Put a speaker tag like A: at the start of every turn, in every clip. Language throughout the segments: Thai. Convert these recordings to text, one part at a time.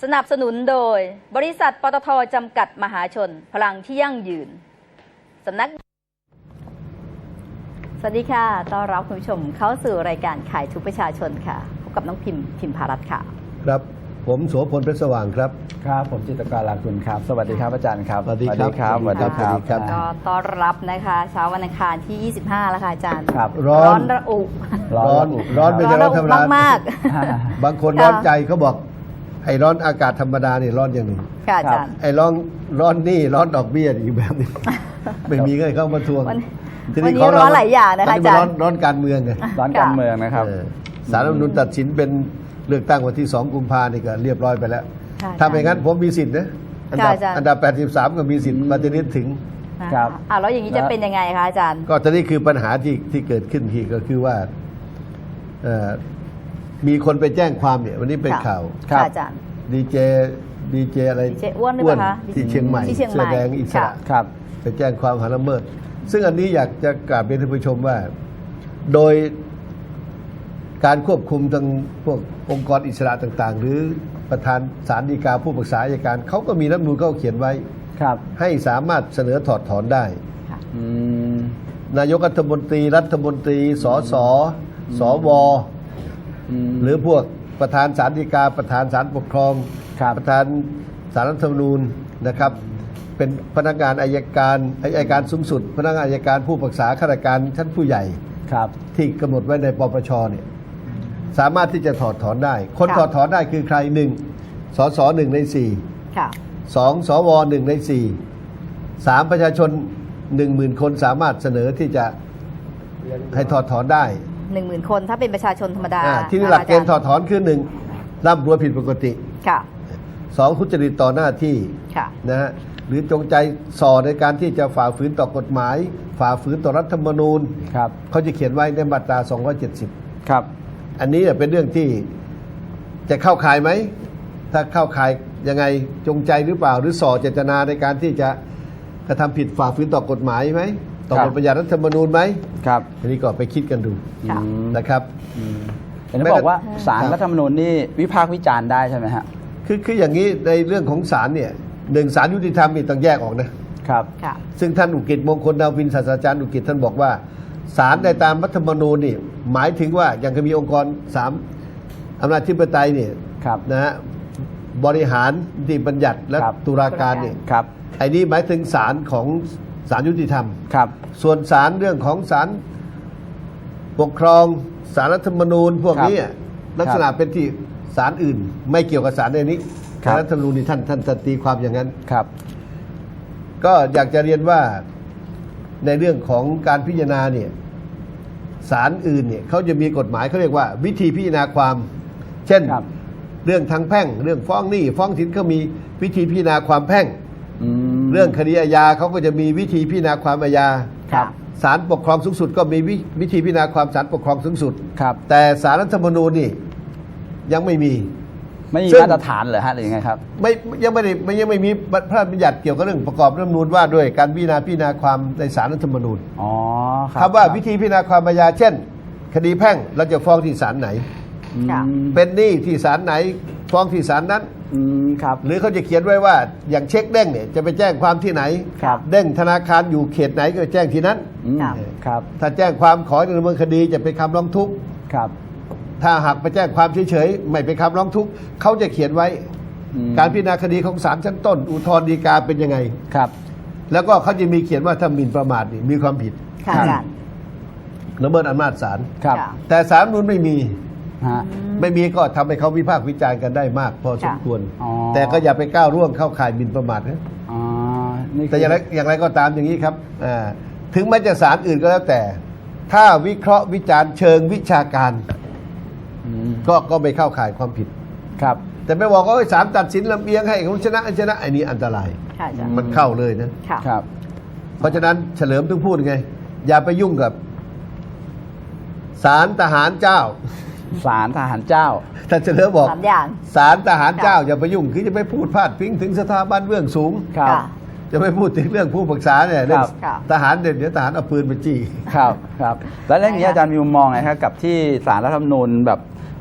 A: สนับสนุนโดยบริษัทปตท.จำกัดมหาชนพลังที่ยั่งยืนสำนักสวัสดีค่ะต้อนรับคุณผู้ชมเข้าสู่รายการขายทุกประชาชนค่ะพบกับน้องพิมพารัตน์ค่ะ
B: ครับผมโสพลเพชรสว่างครับ
C: ครับผมจิตรกรลาคุณครับสวัสดีครับอาจารย์ครับ
B: สวัสดีครับ
C: สวัสดีครับ
A: ก็ต้อนรับนะคะเช้าวันอังคารที่ 25แล้วค่ะอาจารย์
C: ครับ
A: ร้อนระอุ
B: ร้อนไม่ใช่ร้อนธรรมดาม
A: าก
B: บางคนร้อนใจเขาบอกไอ้ร้อนอากาศธรรมดานี่ร้อนอย่างหนึ่ง
A: ค่ะอาจารย์
B: ไอ้ร้อนนี่ร้อนดอกเบี้ยอีกแบบนึงไม่มีเงินเข้ามาทวง
A: วันนี้ร้อนหลายอย่างนะคะอาจารย์
B: ร้อนการเมืองไง
C: ร้อนการเมืองนะครับ
B: ศาลรัฐธรรมนูญตัดสินเป็นเลือกตั้งวันที่2 กุมภาพันธ์นี่ก็เรียบร้อยไปแล้วถ้าไม่งั้นผมมีสิทธิ์นะอันดับ83ก็มีสิทธิ์มาจะนิดถึง
C: ครับ
A: แล้วอย่างนี้จะเป็นยังไงคะอาจารย์
B: ก็ตอนนี้คือปัญหาที่เกิดขึ้นที่ก็คือว่ามีคนไปแจ้งความเนี่ยวันนี้เป็นข่าว
A: ครับอาจารย์
B: ดีเจอะไร
A: อ้วนหรือเปล่าคะ
B: ที่เชียงใหม่เสื้อแดงอิสระ
C: ครับ
B: ไปแจ้งความหาละเมิดซึ่งอันนี้อยากจะกราบเรียนท่านผู้ชมว่าโดยการควบคุมทางพวกองค์กรอิสระต่างๆหรือประธานศาลฎีกาผู้ปรึกษาอัยการเขาก็มีรัฐธรรมนูญเขาเขียนไว้ให้สามารถเสนอถอดถอนได้นายกรัฐมนตรีสสสวหรือพวกประธานศาลฎีกาประธานศาลปกครองประธานศาลรัฐธรรมนูญนะครับเป็นพนักงานอัยการสูงสุดพนักงานอัยการผู้ปรึกษาข้าราชการชั้นผู้ใหญ่ที่กำหนดไว้ในปปชเนี่ยสามารถที่จะถอดถอนได้คนถอดถอนได้คือใคร1สส1 ใน 4 2สว1 ใน 4 3ประชาชน 10,000 คนสามารถเสนอที่จะให้ถอดถอนได้
A: 10,000 คนถ้าเป็นประชาชนธรรมดา
B: ที่หลักเกณฑ์ถอดถอนคือ1ร่ำรวยผิดปกติ2ทุจริตต่อหน้าที่นะฮะหรือจงใจส่อในการที่จะฝ่าฝืนต่อกฎหมายฝ่าฝืนต่อรัฐธรรมนูญเขาจะเขียนไว้ในมาตรา270
C: ครับ
B: อันนี้เป็นเรื่องที่จะเข้าข่ายไหมถ้าเข้าข่ายยังไงจงใจหรือเปล่าหรือส่อเจตนาในการที่จะกระทำผิดฝ่าฝืนต่อกฎหมายไหมต่อบทบัญญัติรัฐธรรมนูญไหม
C: ครับ
B: อันนี้ก็ไปคิดกันดูนะครับ
C: เห็นบอกว่าศาลรัฐธรรมนูญนี่วิพากษ์วิจารณ์ได้ใช่ไหมฮะ
B: คืออย่างนี้ในเรื่องของศาลเนี่ยศาลยุติธรรมนี่ต้องแยกออกนะครับซึ่งท่านอุกิจมงคลดาวินศาสตราจารย์อุกิจท่านบอกว่าศาลในตามรัฐธรรมนูญนี่หมายถึงว่าอย่างมีองค์กร3อำนาจธิปไตยเนี่ยนะฮะบริหารนิติบัญญัติและตุลาการเนี่ยไอ้นี้หมายถึงศาลของศาลยุติธรรมส่วนศาลเรื่องของศาลปกครองศาลรัฐธรรมนูญพวกนี้ลักษณะเป็นที่ศาลอื่นไม่เกี่ยวกับศาลในนี้ศาลรัฐธรรมนูญนี่ท่านตีความอย่างนั้นก็อยากจะเรียนว่าในเรื่องของการพิจารณาเนี่ยศาลอื่นเนี่ยเขาจะมีกฎหมายเขาเรียกว่าวิธีพิจารณาความเช่นเรื่องทางแพ่งเรื่องฟ้องหนี้ฟ้องสินเขามีวิธีพิจารณาความแพ่งเรื่องคดีอาญาเขาก็จะมีวิธีพิจารณาความอาญาศาลปกครองสูงสุดก็มีวิธีพิจารณาความศาลปกครองสูงสุดแต่ศาลรัฐธรรมนูญนี่ยังไม่มี
C: มาตรฐานเหรอฮะหรือยังไงครับ
B: ยังไม่มีพระราชบัญญัติเกี่ยวกับเรื่องประกอบรัฐธรรมนูญว่าด้วยการพิจารณาความในศาลรัฐธรรมนูญคำว่าวิธีพิจารณาความอาญาเช่นคดีแพ่งเราจะฟ้องที่ศาลไหนเป็นหนี้ที่ศาลไหนฟ้องที่ศาลนั้นหรือเขาจะเขียนไว้ว่าอย่างเช็คเด้งเนี่ยจะไปแจ้งความที่ไหนเด้งธนาคารอยู่เขตไหนก็แจ้งที่นั้นถ้าแจ้งความขอดำเนินคดีจะเป็นคำร้องทุกข์ถ้าหากไปแจ้งความเฉยๆไม่เป็นคำร้องทุกข์เขาจะเขียนไว้การพิจารณาคดีของศาลชั้นต้นอุทธรณ์ฎีกาเป็นยังไงแล้วก็เขาจะมีเขียนว่าถ้าหมิ่นประมาทนี่มีความผิดละเมิดอำนาจศาลแต่ศาลนู้นไม่มีก็ทำให้เขาวิพากษ์วิจารณ์กันได้มากพอสมควรแต่ก็อย่าไปก้าวร่วงเข้าข่ายหมิ่นประมาทนะแต่อย่างไรก็ตามอย่างนี้ครับถึงแม้จะศาลอื่นก็แล้วแต่ถ้าวิเคราะห์วิจารณ์เชิงวิชาการก็ไม่เข้าข่ายความผิดแต่ไม่บอกว่าศาลตัดสินลำเอียงให้คนชนะอันนี้อันตรายมันเข้าเลยนะเพราะฉะนั้นเฉลิมต้องพูดไงอย่าไปยุ่งกับศาลทหารเจ้าท่านเฉลิมบอกศาลทหารเจ้าอย่าไปยุ่งคือจะไปพูดพาดพิงถึงสถาบันเบื้องสูงจะไม่พูดถึงเรื่องผู้ปรึกษาเนี่ยเรื่องทหารเดี๋ยวทหารเอาปืนไปจี้
C: ครับแล้วเรื่องนี้อาจารย์มีมุมมองไงครับกับที่ศาลรัฐธรรมนูญแบบ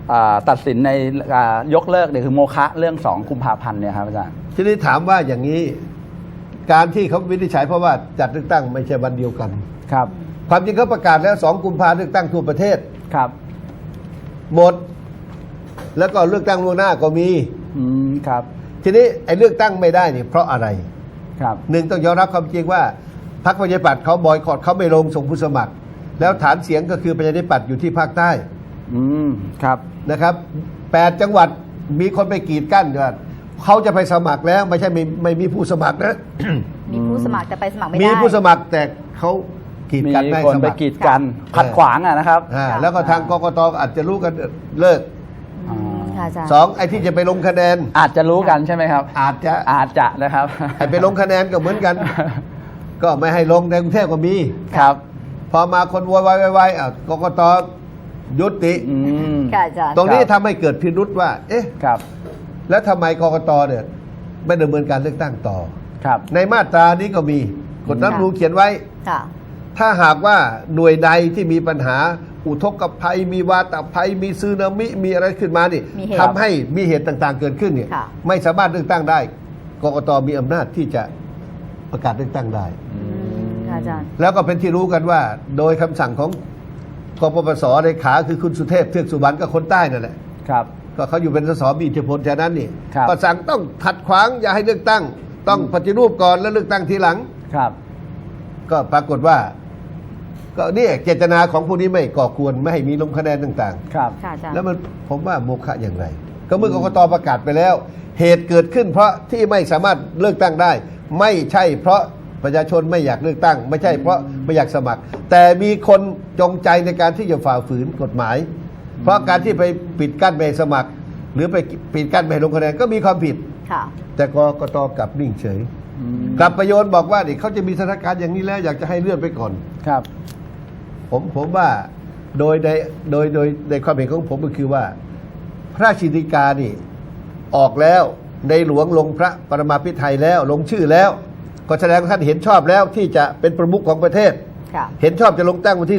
C: ตัดสินในยกเลิกเนี่ยคือโมฆะเรื่อง2 กุมภาพันธ์เนี่ยครับอาจารย์
B: ทีนี้ถามว่าอย่างนี้การที่เขาวินิจฉัยเพราะว่าจัดเลือกตั้งไม่ใช่วันเดียวกัน
C: ครับ
B: ความจริงเขาประกาศแล้ว2 กุมภาพันธ์เลือกตั้งทั่วประเทศ
C: ครับ
B: หมด แล้วก็เลือกตั้งล่วงหน้าก็มี
C: ครับ
B: ทีนี้ไอ้เลือกตั้งไม่ได้เนี่ยเพราะอะไร
C: ครับ
B: หนึ่งต้องยอมรับความจริงว่าพรรคประชาธิปัตย์เขาบอยคอตเขาไม่ลงส่งผู้สมัคร แล้วฐานเสียงก็คือประชาธิปัตย์อยู่ที่ภาคใต้
C: ครับ
B: นะครับ8 จังหวัดมีคนไปกีดกั้นว่าเขาจะไปสมัครแล้วไม่ใช่ไม่มีผู้สมัครนะ
A: มีผู้สมัครแต่ไปสมัครไม่
B: มี
A: ได้
B: ผู้สมัครแต่เขากีด
C: มี
B: กันไม่ให้
C: คน
B: ส
C: ไป
B: มัคร
C: กีดกันขัดขวางอะนะครับ
B: แล้วก็ทางกกตอาจจะรู้กันเลิก
A: ค่ะอาจารย์
B: สองไอ้ที่จะไปลงคะแนน
C: อาจจะรู้กันใช่ไหมครับ
B: อาจจะ
C: อาจจะนะครับ
B: ไอ้ไปลงคะแนนก็เหมือนกัน ก็ไม่ให้ลงในกรุงเทพก็มี
C: ครับ
B: พอมาคนโวยวายกกตยุติ
A: ค่ะอาจารย์
B: ตรงนี้ทำให้เกิดพิรุษว่า เอ๊ะ
C: ครับ
B: แล้วทำไมกกตเนี่ยไม่ดำเนินการเลือกตั้งต่อ
C: ครับ
B: ในมาตรานี้ก็มีกฎรัฐธรรมนูญเขียนไว้
A: ค่ะ
B: ถ้าหากว่าหน่วยใดที่มีปัญหาอุทกภัย มีวาตภัย มีซึนามิมีอะไรขึ้นมานี่
A: มีเหตุ
B: ทำให้มีเหตุต่างๆเกิดขึ้นเนี่ย
A: ค่ะ
B: ไม่สามารถเลือกตั้งได้กกตมีอำนาจที่จะประกาศเลือกตั้งได้
A: ค่ะอาจารย์
B: แล้วก็เป็นที่รู้กันว่า โดยคำสั่งของกปปสเลขาคือคุณสุเทพเทือกสุบรรณก็คนใต้นั่นแหละ
C: ครับ
B: ก็เขาอยู่เป็นสสมีอิทธิพลฉะนั้นนี่
C: ครับ
B: ก็สั่งต้องขัดขวางอย่าให้เลือกตั้ง ต้องปฏิรูปก่อนแล้วเลือกตั้งทีหลัง
C: ครับ
B: ก็ปรากฏว่า ก็นี่เจตนาของผู้นี้ไม่ก่อกวนไม่ให้มีลงคะแนนต่าง
C: ครับ
A: ค่ะอาจาร
B: ๆ
A: ย์
B: แล้วมันผมว่าโมฆะอย่างไร ก็เมื่อกกตประกาศไปแล้ว เหตุเกิดขึ้นเพราะที่ไม่สามารถเลือกตั้งได้ ไม่ใช่เพราะประชาชนไม่อยากเลือกตั้ง ไม่ใช่เพราะไม่อยากสมัคร แต่มีคนจงใจในการที่จะฝ่าฝืนกฎหมาย เพราะการที่ไปปิดกั้นไม่ให้สมัคร หรือไปปิดกั้นไม่ให้ลงคะแนนก็มีความผิด
A: ค่ะ
B: แต่กกตกลับนิ่งเฉย กลับประโยชน์บอกว่านี่เขาจะมีสถานการณ์อย่างนี้แล้วอยากจะให้เลื่อนไปก่อน
C: ครับ
B: ผมว่าโดยในความเห็นของผมก็คือว่า พระราชกิจฎีกานี่ออกแล้วในหลวงลงพระปรมาภิไธยแล้วลงชื่อแล้ว ก็แสดงว่าท่านเห็นชอบแล้วที่จะเป็นประมุขของประเทศ
A: ค่ะ
B: เห็นชอบจะลงตั้งวันที่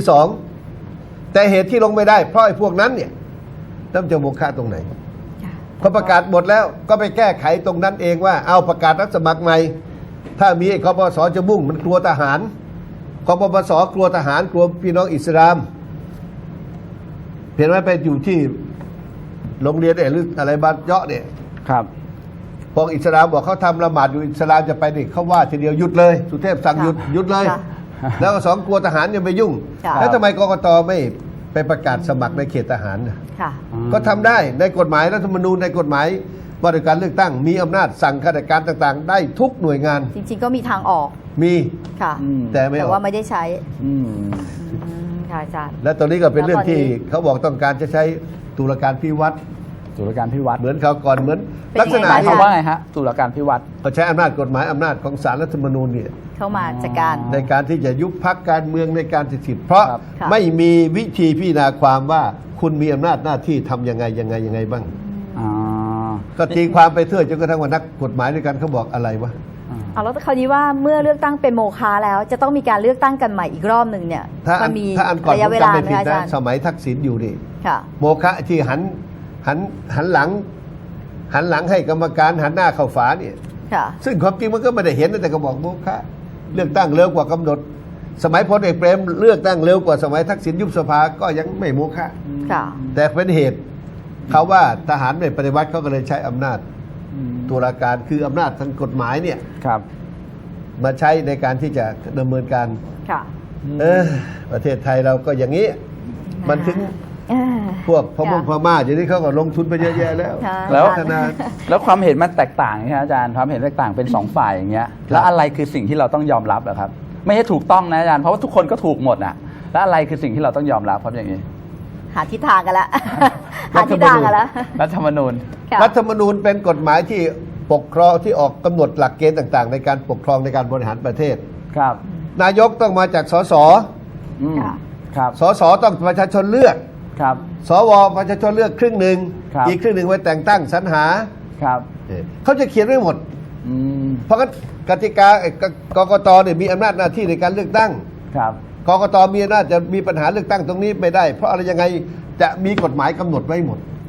B: 2แต่เหตุที่ลงไม่ได้เพราะไอ้พวกนั้นเนี่ยต้องจะโมฆะตรงไหน
A: ค่ะ
B: พอประกาศหมดแล้วก็ไปแก้ไขตรงนั้นเองว่าเอาประกาศรับสมัครใหม่ ถ้ามีไอ้กปปสจะมุ่งมันกลัวทหารกปปสกลัวทหารกลัวพี่น้องอิสลามเห็นไหมไปอยู่ที่โรงเรียนหรืออะไรบ้านเยาะเนี่ย
C: ครับ
B: พวกอิสลามบอกเขาทำละหมาดอยู่อิสลามจะไปนี่เขาว่าทีเดียวหยุดเลยสุเทพสั่งหยุดเลย
A: ค่ะ
B: แล้วก็2กลัวทหารยังไปยุ่ง
A: ค่ะ
B: แล้วทำไมกกตไม่ไปประกาศสมัครในเขตทหารน่ะ
A: ค่ะ
B: ก็ทำได้ในกฎหมายรัฐธรรมนูญในกฎหมายว่าด้วยการเลือกตั้งมีอำนาจสั่งข้าราชการต่างๆ ได้ทุกหน่วยงาน
A: จริงๆก็มีทางออก
B: มี
A: ค่ะ
B: แต่ไม่อ
A: แต่
B: อก
A: ว่าไม่ได้ใช้
C: อืม
A: ค่ะอาจารย์
B: และตอนนี้ก็เป็นเรื่องที่
A: แล้วตอนนี้
B: เขาบอกต้องการจะใช้ตุลาการพิวัตร
C: ตุลาการพิวัตร
B: เหมือนเขาก่อนเหมือน
A: เป็น
B: ลักษณะ
A: ยังไง
C: หมายความว่าไงฮะตุลาการพิวัตร
B: เขาใช้อำนาจกฎหมายอำนาจของศาลรัฐธรรมนูญเนี่ย
A: เข้ามาจัดการ
B: ในการที่จะยุบพักการเมืองในการสิทธิ์เพราะ
C: ครับ
A: ค่ะ
B: ไม่มีวิธีพิจารณาความว่าคุณมีอำนาจหน้าที่ทำยังไงบ้าง
C: อ๋อ
B: ก็ตีความไปเรื่อยจนกระทั่งว่านักกฎหมายด้วยกันเขาบอกอะไรวะ
A: เอาแล้วคราวนี้ว่าเมื่อเลือกตั้งเป็นโมฆะแล้ว จะต้องมีการเลือกตั้งกันใหม่อีกรอบหนึ่งเนี่ย
B: ถ้าอั
A: มัน นมี
B: ถ้าอันก่อน
A: ระ
B: ผ
A: ยะ
B: ม
A: เวลา
B: จำไม่
A: ไหม
B: ผิด
A: อา
B: นะ
A: จารย์
B: สมัยทักษิณอยู่นี่
A: ค่ะ
B: โมฆะที่หันหลังให้กรรมการหันหน้าเข้าฝาเนี่ย
A: ค่ะ
B: ซึ่งความจริงมันก็ไม่ได้เห็นนะแต่ก็บอกโมฆะเลือกตั้งเร็วกว่ากำหนด สมัยพลเอกเปรมเลือกตั้งเร็วกว่าสมัยทักษิณยุบสภาก็ยังไม่โมฆะ
A: ค่ะ
B: แต่เป็นเหตุเขาว่าทหารไม่ปฏิวัติเขาก็เลยใช้อำนาจตุลาการคืออำนาจทางกฎหมายเนี่ย
C: ครับ
B: มาใช้ในการที่จะดำเนินการ
A: ค่ะ
B: ประเทศไทยเราก็อย่างนี้ มันถึง
A: เอ่อ
B: พวกพม่งพม่าอย่างนี้เขาก็ลงทุนไปเยอะแยะแล้ว
A: ค่ะ
C: แล้ว
B: พัฒนา
C: แล้วความเห็นมันแตกต่างใช่ไหมอาจารย์ความเห็นแตกต่างเป็นสองฝ่ายอย่างเงี้ยแล้วอะไรคือสิ่งที่เราต้องยอมรับอะครับ ไม่ใช่ถูกต้องนะอาจารย์เพราะว่าทุกคนก็ถูกหมดอะแล้วอะไรคือสิ่งที่เราต้องยอมรับครับอย่างนี้
A: หาทิศทางกันละหาทิศทางกันละ
C: รัฐธรรมนูญ
A: ค่ะ
B: รัฐธรรมนูญเป็นกฎหมายที่ปกครองที่ออกกำหนดหลักเกณฑ์ต่างๆ ในการปกครองในการบริหารประเทศ
C: ครับ
B: นายกต้องมาจากสส
C: อืม
A: ค่ะ
C: ครับ
B: สสต้องประชาชนเลือก
C: ครับ
B: สวประชาชนเลือกครึ่งหนึ่ง
C: ครับ
B: อีกครึ่งหนึ่งไว้แต่งตั้งสรรหา
C: ครับ
B: เขาจะเขียนไว้หมด
C: อืม
B: เพราะงั้นกติกากกตเนี่ยมีอำนาจหน้าที่ในการเลือกตั้ง
C: ครับ
B: กกตมีอำนาจจะมีปัญหาเลือกตั้งตรงนี้ไม่ได้ เพราะอะไรยังไงจะมีกฎหมายกำหนดไว้หมด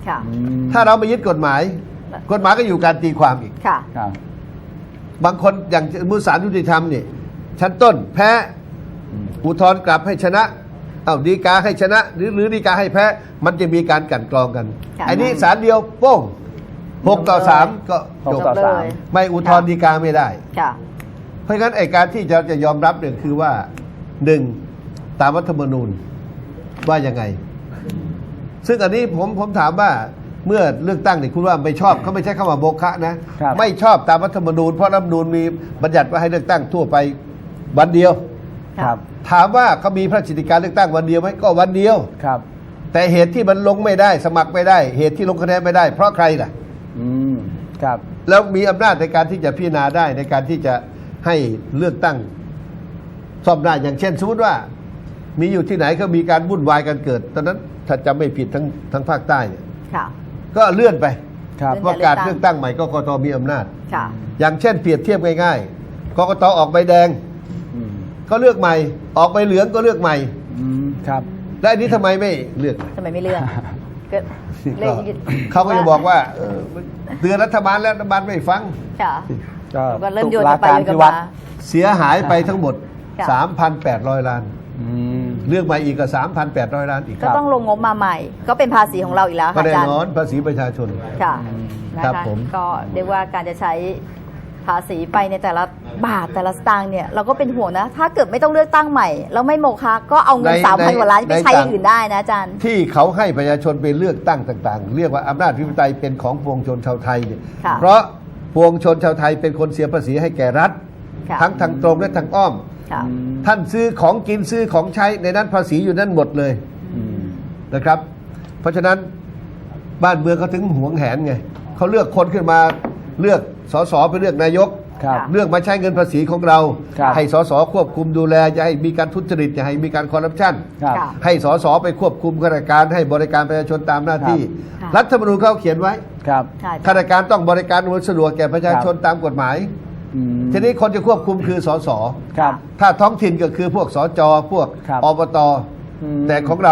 A: ค่ะ
B: ถ้าเราไม่ยึดกฎหมายก็อยู่การตีความอีก
A: ค่ะ
C: ครับ
B: บางคนอย่างมุสาลยุติธรรมนี่ชั้นต้นแพ้อุทธรณ์กลับให้ชนะเอาฎีกาให้ชนะ หรือฎีกาให้แพ้มันจะมีการกลั่นกรองกัน
A: ค่ะ
B: อันนี้ศาลเดียวโป้ง6-3 ก็
C: ห
B: จ
C: ก
B: บ
C: ต่อ
A: เลย
C: สาม
B: ไม่อุทธรณ์ฎีกาไม่ได้
A: ค่ะ
B: เพราะฉะนั้นไอ้การที่จะยอมรับเนี่ยคือว่าหนึ่งตามรัฐธรรมนูญว่ายังไง ซึ่งอันนี้ผมถามว่าเมื่อเลือกตั้งเนี่ยคุณว่าไม่ชอบเขาไม่ใช่คำว่าโมฆะนะครับ ไม่ชอบตามรัฐธรรมนูญเพราะรัฐธรรมนูญมีบัญญัติว่าให้เลือกตั้งทั่วไปวันเดียว
C: ครับ
B: ถามว่าเขามีพระราชกิจการเลือกตั้งวันเดียวไหมก็วันเดียว
C: ครับ
B: แต่เหตุที่มันลงไม่ได้สมัครไม่ได้ เหตุที่ลงคะแนนไม่ได้ เพราะใครล่ะ
C: อืมครับ
B: แล้วมีอำนาจในการที่จะพิจารณาได้ในการที่จะให้เลือกตั้งซ่อมได้อย่างเช่นสมมติว่ามีอยู่ที่ไหนก็มีการวุ่นวายกันเกิด ตอนนั้นถ้าจำไม่ผิดทั้งภาคใต้เนี่ย
A: ค่ะ
B: ก็เลื่อนไป
C: ครับ
A: เลื่อน
B: ว่าการเลือกตั้งใหม่ก็กตมีอำนาจ
A: ค่ะ
B: อย่างเช่นเปรียบเทียบง่ายๆกกตออกใบแดง
C: อืม
B: ก็เลือกใหม่ ออกใบเหลืองก็เลือกใหม่
C: ครับ
B: และอันนี้ทำไมไม่เลือก
A: ทำไมไม่เลือกก็เล
B: ก็
A: ย
B: เขาก็จะบอกว่าเตือนรัฐบาลแล้วรัฐบาลไม่ฟัง
A: ค่ะ
C: ก็
A: ก็เริ่มโยน
C: ตุลา
A: กันไป
C: การ
A: โยนกั
C: พิ
A: น
C: วั
A: มา
C: ตร
B: เสียหายไปทั้งหมด
A: ค่ะ
B: 3,800 ล้าน
C: อืม
B: เลือกใหม่อีกก็3,800 ล้านอีก
A: ก็ต้องลงงบมาใหม่ ก็เป็นภาษีของเราอีกแล้ว
B: ก็
A: ค่ะอา
B: แน่
A: จารย์
B: นอนภาษีประชาชน
A: ค่ะนะ
B: ครั
A: คะ
B: บผม
A: ก็เรียกว่าการจะใช้ภาษีไปในแต่ละบาทแต่ละสตางค์เนี่ยเราก็เป็นห่วงนะ ถ้าเกิดไม่ต้องเลือกตั้งใหม่แล้วไม่โมฆะก็เอาเงิน 3,000 กว่าล้านไปใช้อย่างอื่นได้นะอาจารย์
B: ที่เขาให้ประชาชนไปเลือกตั้งต่าง ๆ เรียกว่าอำนาจอธิปไตยเป็นของปวงชนชาวไทยเนี่ย
A: ค่ะ
B: เพราะปวงชนชาวไทยเป็นคนเสียภาษีให้แก่รัฐ
A: ค่ะ
B: ทั้งทางตรงและทางอ้อม
A: ค่ะ
B: ท่านซื้อของกินซื้อของใช้ในนั้นภาษีอยู่นั่นหมดเลย
C: อืม
B: นะครับ เพราะฉะนั้นบ้านเมืองเขาถึงหวงแหนไงเขาเลือกคนขึ้นมาเลือกสสไปเลือกนายก
C: ครับ
B: เลือกมาใช้เงินภาษีของเรา
C: ครับ
B: ให้สสควบคุมดูแลอย่าให้มีการทุจริตอย่าให้มีการคอร์รัปชัน
C: ครับ
A: ค่ะ
B: ให้สสไปควบคุมข้าราชการให้บริการประชาชนตามหน้าที่
A: ครับ
B: รัฐธรรมนูญเขาเขียนไว้
C: ครับ
A: ค่ะ
B: ข้าราชการต้องบริการอำนวยสะดวกแก่ประชาชนตามกฎหมาย
C: อืม
B: ทีนี้คนจะควบคุมคือสส
C: ครับ
B: ถ้าท้องถิ่นก็คือพวกสจพวก
C: ครับ
B: อบต
C: อืม
B: แต่ของเรา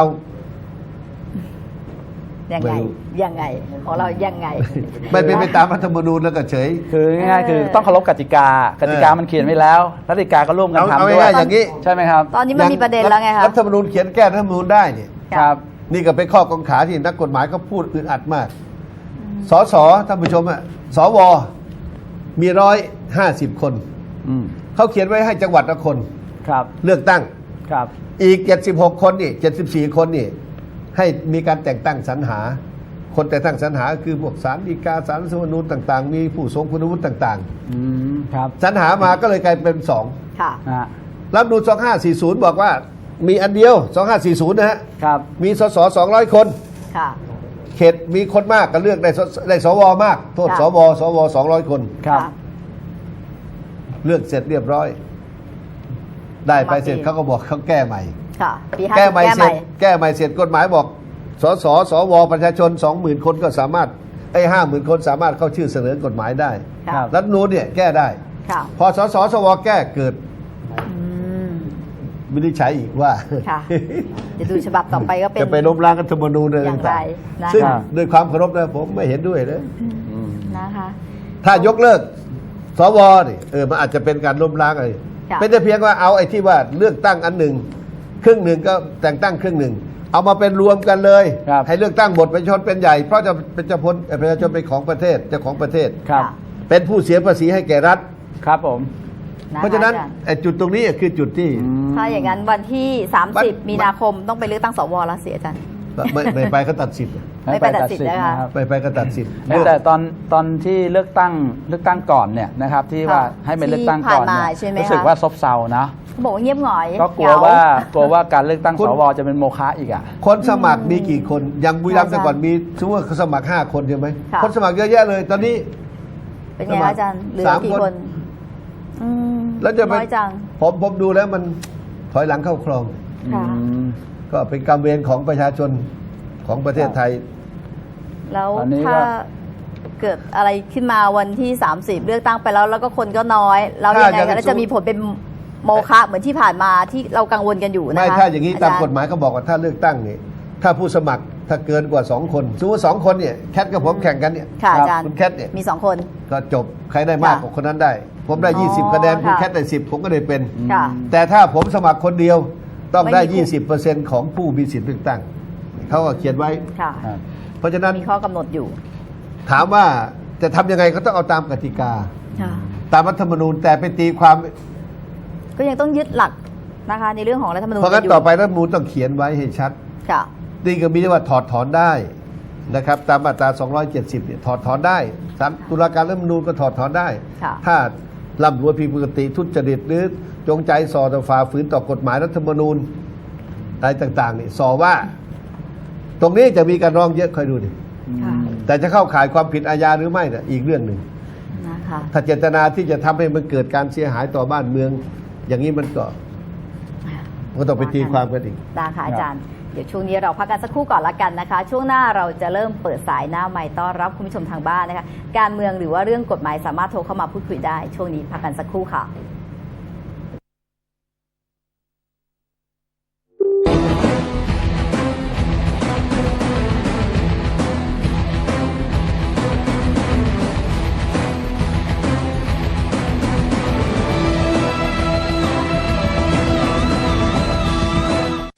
A: ยังไง
B: ไม่รู้
A: ยังไงของเรายังไง
B: ไม่เป็นไปตามรัฐธรรมนูญแล้วก็เฉย
C: คือง่ายๆคือต้องเคารพกติกากติกามันเขียนไว้แล้วกติกาก็ร่วมกัน
B: เอา
C: ทำด้ว
B: ง่าย
C: ย
B: ๆอย่างนี้
C: ใช่ไหมครับ
A: ตอนนี้มันมีประเด็นแล้วไงคะ
B: รัฐธรรมนูญเขียนแก้รัฐธรรมนูญได้เนี่ย
C: ครับ
B: นี่ก็เป็นข้อกังขาที่นักกฎหมายเขาพูดอึดอัดมาก สสท่านผู้ชมอะสวมี150 คน
C: อืม
B: เขาเขียนไว้ให้จังหวัดละคน
C: ครับ
B: เลือกตั้ง
C: ครับ
B: อีก 76 คนนี่74 คนนี่ให้มีการแต่งตั้งสรรหา คนแต่งตั้งสรรหาคือพวกศาลฎีกาศาลรัฐธรรมนูญต่างๆ มีผู้ทรงคุณวุฒิต่าง
C: อืมครับ
B: ๆสรรหามาก็เลยกลายเป็น2
A: ค่ะ
C: ฮะ
B: รัฐธรรมนูญ2540 บอกว่ามีอันเดียว 2540 นะฮะ
C: ครับ
B: มีสส200 คน
A: ค่ะ
B: เขตมีคนมากก็เลือกได้สวมาก โทษ
A: ค่ะ
B: สว200 คน
C: ครับ
B: เลือกเสร็จเรียบร้อย ได้ไปเสร็จ
A: มาปี
B: เขาก็บอกเขาแก้ใหม่
A: ค่ะปี
B: แก้ใหม่
A: แก้
B: เส
A: ให
B: ร็
A: ม่
B: จแก้ใหม่เสร็จกฎหมายบอกสสวประชาชน 20,000 คนก็สามารถ50,000 คนสามารถเข้าชื่อเสนอกฎหมายได้
A: ค่ะ
B: รัฐธรรมนูญเนี่ยแก้ได้
A: ค่ะ
B: พอสสวแก้เกิด
A: อืม
B: วินิจฉัยอีกว่า
A: ค่ะ จะดูฉบับต่อไปก็เป็น
B: จะไปล้มล้างรัฐธรรมนูญอะไร
A: อย่างไร
B: ต่าง
A: นะคะ
B: ๆซึ่งด้วยความเคารพนะผมไม่เห็นด้วยนะ
C: อืม
A: นะคะ
B: ถ้ายกเลิกสวนี่มันอาจจะเป็นการล้มล้างอะไร
A: ค่ะ
B: เป็นแต่เพียงว่าเอาไอ้ที่ว่าเลือกตั้งอันหนึ่งครึ่งหนึ่งก็แต่งตั้งครึ่งหนึ่งเอามาเป็นรวมกันเลย
C: ครับ
B: ให้เลือกตั้งหมดประชาชนเป็นใหญ่เพราะจะเป็นประชาชนเป็นของประเทศเจ้าของประเทศ
C: ครับ
A: ค่ะ
B: เป็นผู้เสียภาษีให้แก่รัฐ
C: ครับผม
B: เพราะฉะนั้น
A: อจย์
B: ไอ้จุดตรงนี้คือจุดที่
A: ถ้าอย่างนั้นวันที่
B: วัน
A: 30 มีนาคมต้องไปเลือกตั้งสวแล้วเสียอาจารย์
B: ไม่ไปเขาตัดสิทธิ์
A: ไม่ไปตัดสิทธิ์นะคะ
C: นะครับ
B: ไปก็ตัดสิทธิ์
C: แต่ตอนที่เลือกตั้งก่อนเนี่ยนะครับ ที่ว่า
A: ค่ะ
C: ให้ไปเลือกตั้งก่อน
A: ที่ผ่านมา
C: เนี่ย
A: ใช่ไหม
C: รู้สึก
A: คะ
C: ว่าซบเซานะ
A: เขาบอกว่าเงียบหงอย
C: ก็กลัว
A: เหง
C: ว่าการเลือกตั้งสวจะเป็นโมฆะอีกอ่ะ
B: คนสมัครมีกี่คนอย่างบุรีรัมย์
A: ใช่
B: แต่ก่อนมีสมมติว่าเขาสมัคร5 คนใช่ไหม
A: ค่ะ
B: คนสมัครเยอะแยะเลย ตอนนี้
A: เป็นไงคะอาจารย์เหลือ
B: สาม
A: กี่
B: คน
A: คนอืม
B: แล้วจะไป
A: น้อยจัง
B: ผมดูแล้วมันถอยหลังเข้าคลอง
A: ค่ะ
C: อืม
B: ก็เป็นกรรมเวรของประชาชนของประเทศไทย
A: แล้ว
C: อันนี้
A: ถ้า
C: ก็
A: เกิดอะไรขึ้นมาวันที่ 30 เลือกตั้งไปแล้วก็คนก็น้อยแล้ว
B: ถ้า
A: ยังไง
B: อย่างนั้
A: คะ
B: น
A: แล้วจะมีผลเป็นโมฆะเหมือนที่ผ่านมาที่เรากังวลกันอยู่นะคะ
B: ไม่ถ้าอย่างนี้
A: จร
B: ตามกฎหมายเขาบอกว่าถ้าเลือกตั้งนี่ถ้าผู้สมัครถ้าเกินกว่า2คนสมมติ2คนเนี่ยแคทกับผมแข่งกันเนี่ย
A: ค่ะอาจารย์
B: คุณแคทเนี่ย
A: มี2 คน
B: ก็จบใครได้มาก
A: ค่ะ
B: กว่าคนนั้นได้ ผมได้
A: อ๋อ
B: 20 คะแนนคุณ
A: ค่ะ
B: แคทได้10ผมก็ได้เป็น
A: ค่ะ
B: แต่ถ้าผมสมัครคนเดียวต้องได้
A: ไม่มีคู่
B: 20%ของผู้มีสิทธิ์เลือกตั้งเขาก็เขียนไว้
A: ค่ะ
C: ครับ
B: เพราะฉะนั้น
A: มีข้อกำหนดอยู่
B: ถามว่าจะทำยังไงก็ต้องเอาตามกติกา
A: ค่ะ
B: ตามรัฐธรรมนูญแต่ไปตีความ
A: ก็ยังต้องยึดหลักนะคะในเรื่องของรัฐธรรมนูญ
B: เพราะงั้น
A: ยู่
B: ต่อไปรัฐธรรมนูญต้องเขียนไว้ให้ชัด
A: ค่ะ
B: นี่ก็มีได้ว่าถอดถอนได้นะครับตามมาตรา 270เนี่ยถอดถอนได้ศาลตุลาการรัฐธรรมนูญก็ถอดถอนได้
A: ค่ะ
B: ถ้าล่ำรวยผิดปกติทุจริตหรือจงใจส่อต่อฝ่าฝืนต่อกฎหมายรัฐธรรมนูญอะไรต่างๆนี่ส่อว่า ตรงนี้จะมีการร้องเยอะคอยดูดิ
A: ค่ะ
B: แต่จะเข้าข่ายความผิดอาญาหรือไม่น่ะอีกเรื่องหนึ่ง
A: นะคะ
B: ถ้าเจตนาที่จะทำให้มันเกิดการเสียหายต่อบ้านเมือง อย่างนี้มันก็ต้องไปตีความกันอีก
A: ได้ค่ะอาจารย์ เดี๋ยวช่วงนี้เราพักกันสักครู่ก่อนละกันนะคะ ช่วงหน้าเราจะเริ่มเปิดสายหน้าไมค์ต้อนรับคุณผู้ชมทางบ้านนะคะ การเมืองหรือว่าเรื่องกฎหมายสามารถโทรเข้ามาพูดคุยได้ ช่วงนี้พักกันสักครู่ค่ะ